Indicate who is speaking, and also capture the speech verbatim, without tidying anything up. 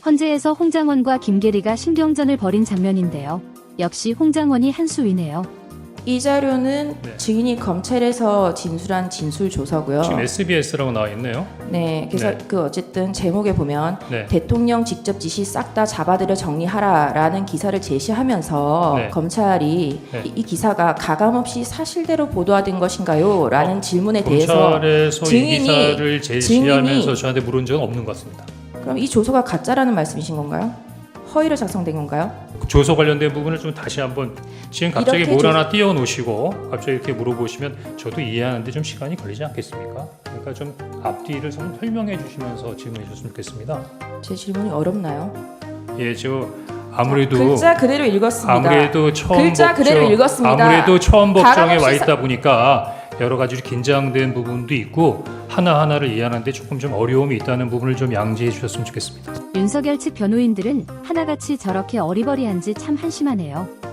Speaker 1: 헌재에서 홍장원과 김계리가 신경전을 벌인 장면인데요. 역시 홍장원이 한 수위네요.
Speaker 2: 이 자료는
Speaker 3: 네.
Speaker 2: 증인이 검찰에서 진술한 진술 조서고요.
Speaker 3: 지금 에스비에스라고 나와 있네요.
Speaker 2: 네, 그래서
Speaker 3: 네.
Speaker 2: 그 어쨌든 제목에 보면
Speaker 3: 네.
Speaker 2: 대통령 직접 지시 싹 다 잡아들여 정리하라라는 기사를 제시하면서
Speaker 3: 네.
Speaker 2: 검찰이
Speaker 3: 네.
Speaker 2: 이, 이 기사가 가감없이 사실대로 보도된 것인가요? 라는
Speaker 3: 어,
Speaker 2: 질문에 대해서
Speaker 3: 검찰에서 이
Speaker 2: 증인이-
Speaker 3: 기사를 제시하면서
Speaker 2: 증인이-
Speaker 3: 저한테 물은 적은 없는 것 같습니다.
Speaker 2: 그럼 이 조서가 가짜라는 말씀이신 건가요? 허위로 작성된 건가요?
Speaker 3: 조서 관련된 부분을 좀 다시 한번 지금 갑자기
Speaker 2: 이렇게
Speaker 3: 뭘
Speaker 2: 조-
Speaker 3: 하나 띄워놓으시고 갑자기 이렇게 물어보시면 저도 이해하는데 좀 시간이 걸리지 않겠습니까? 그러니까 좀 앞뒤를 좀 설명해 주시면서 질문해 주셨으면 좋겠습니다.
Speaker 2: 제 질문이 어렵나요?
Speaker 3: 예, 저 아무래도
Speaker 2: 글자 그대로 읽었습니다.
Speaker 3: 아무래도 처음
Speaker 2: 글자
Speaker 3: 법정,
Speaker 2: 그대로 읽었습니다.
Speaker 3: 아무래도 처음 법정에
Speaker 2: 가감없이
Speaker 3: 와
Speaker 2: 사-
Speaker 3: 있다 보니까 여러 가지 긴장된 부분도 있고 하나 하나를 이해하는데 조금 좀 어려움이 있다는 부분을 좀 양지해 주셨으면 좋겠습니다.
Speaker 1: 윤석열 측 변호인들은 하나같이 저렇게 어리버리한지 참 한심하네요.